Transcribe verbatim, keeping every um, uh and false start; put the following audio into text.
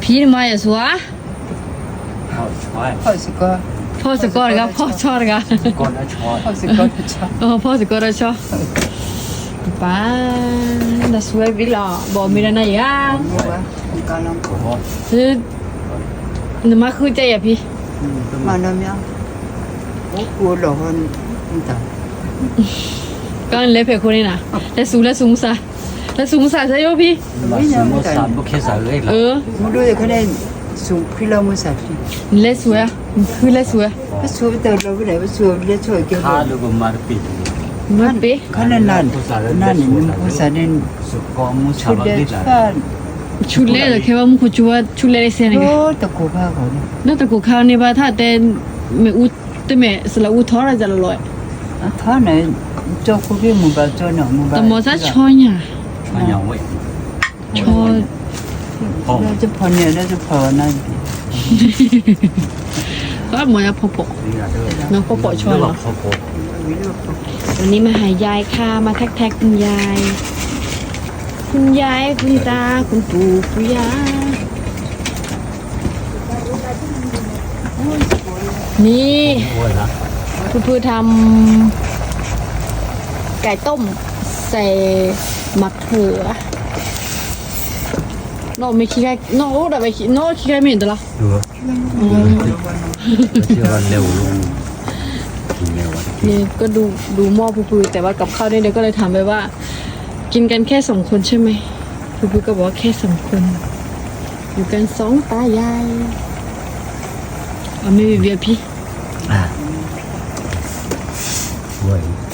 พี่มาอย่าสัวเอาช้อยพ่อสิก็พ่อสกอร์กับพ่อชอดกับก้นแล้วช้อยพ่อสิก็ชอบเออพ่อสกอร์ชอป้าน่าสวยวิลาบอกมีอะไรอย่างว่าการลองโอ้โหคือนึกมาคือใจอ่ะพี่มาเนาะมั้ยโอ้กูหลอกมันต่ก็เล็บเพคนนี่นะแล้วสูงแล้วสูงซะแล้วสูงซะใช่ไหมพี่มาสมมติสามบุคคลสามเลยหรอเออมึงดูแต่เขาได้สูงพี่เรามือสัตว์เล็บสวยคือเล็บสวยก็สูงแต่เราไม่ได้ว่าสูงเรียกช่วยเกี่ยวข้าลูกมาปิดมันเป๊ะเขานั่นนั่นนั่นนี่มันภาษาเนี่ยสุกอมูชาชุดบักเด็ดิดละฟ้าชุดเล็บแค่ว่ามึงคุจัวชุดเล็บเสียนี่ไงโอ้ตะกูผ้าเขาเนี่ยนั่นแต่กูข้าวนี่ว่าถ้าแต่ไม่อุแต่ไม่สละอุทออะไรจะละลอยท่าไหนเจ้าคุกกี้มึงบ้าเจ้าหน่อมึงบ้าแต่หมอจะชอยเนี่ยมาอย่างเว้ยชอยเราจะพอเนี่ยเราจะพอนั่นก็หมอจะพอปกนี่ละเด้อน้องพอปกชอยหรเนาะอเขาโกวันนี้มาหายายค่ะมาแท็กแท็กคุณยาย คุณยายคุณตาคุณปู่คุณย่านี่โอ้ยละคุณพื่อทำไก่ต้มใส่มะเขือโนไม่คิดไก่โนแต่ไปคิดโนคิดไก่ไม่เห็นตัวละดูเชื่อว่าเร็วลงกินเร็วอ่ะนี่ก็ดูดูหม้อพูพูแต่ว่ากับข้าวเนี่ยเดี๋ยวก็เลยถามไปว่า กินกันแค่สองคนใช่ไหมพูพูก็บอกว่าแค่สองคนอยู่กันสองตายายเอาไม่มีเบียร์พี่อ่ะโว้ย